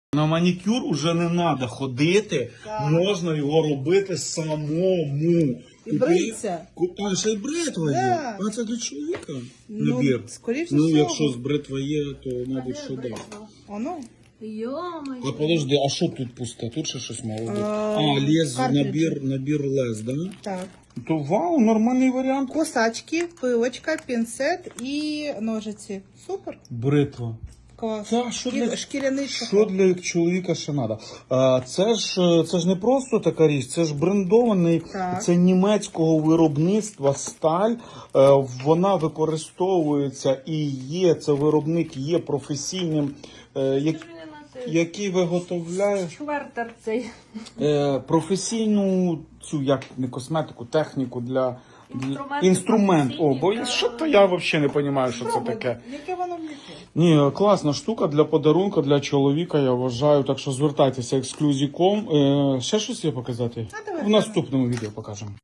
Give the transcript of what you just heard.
На манікюр уже не треба ходити, можна його робити самому. І бриться. А, ще й бритва є. Да. А це для чоловіка Ну, набір. скоріше Ну, всього. якщо з бритва є, то, мабуть, що да. Оно. Йо-моє. А подожди, а що тут пусте? Тут ще щось мало бути. А, лез, картриджі. набір лез, да? Так. То вау, нормальний варіант. Кусачки, пилочка, пінцет і ножиці. Супер. Бритва. Клас. Та, що для- Шкіряний Що чохол. для чоловіка ще треба? Це ж не просто така річ, це ж брендований, Так. це німецького виробництва сталь. Вона використовується і є, це виробник є професійним, який виготовляє Швертер цей. професійну цю, як не косметику, техніку для Інструмент. інструмент. О, бо Професійний, що то я взагалі не розумію, що це таке. Яке воно влізе? Ні, класна штука для подарунка, для чоловіка, я вважаю. Так що звертайтеся ексклюзіком. Ще щось є показати? А давай В наступному відео покажемо.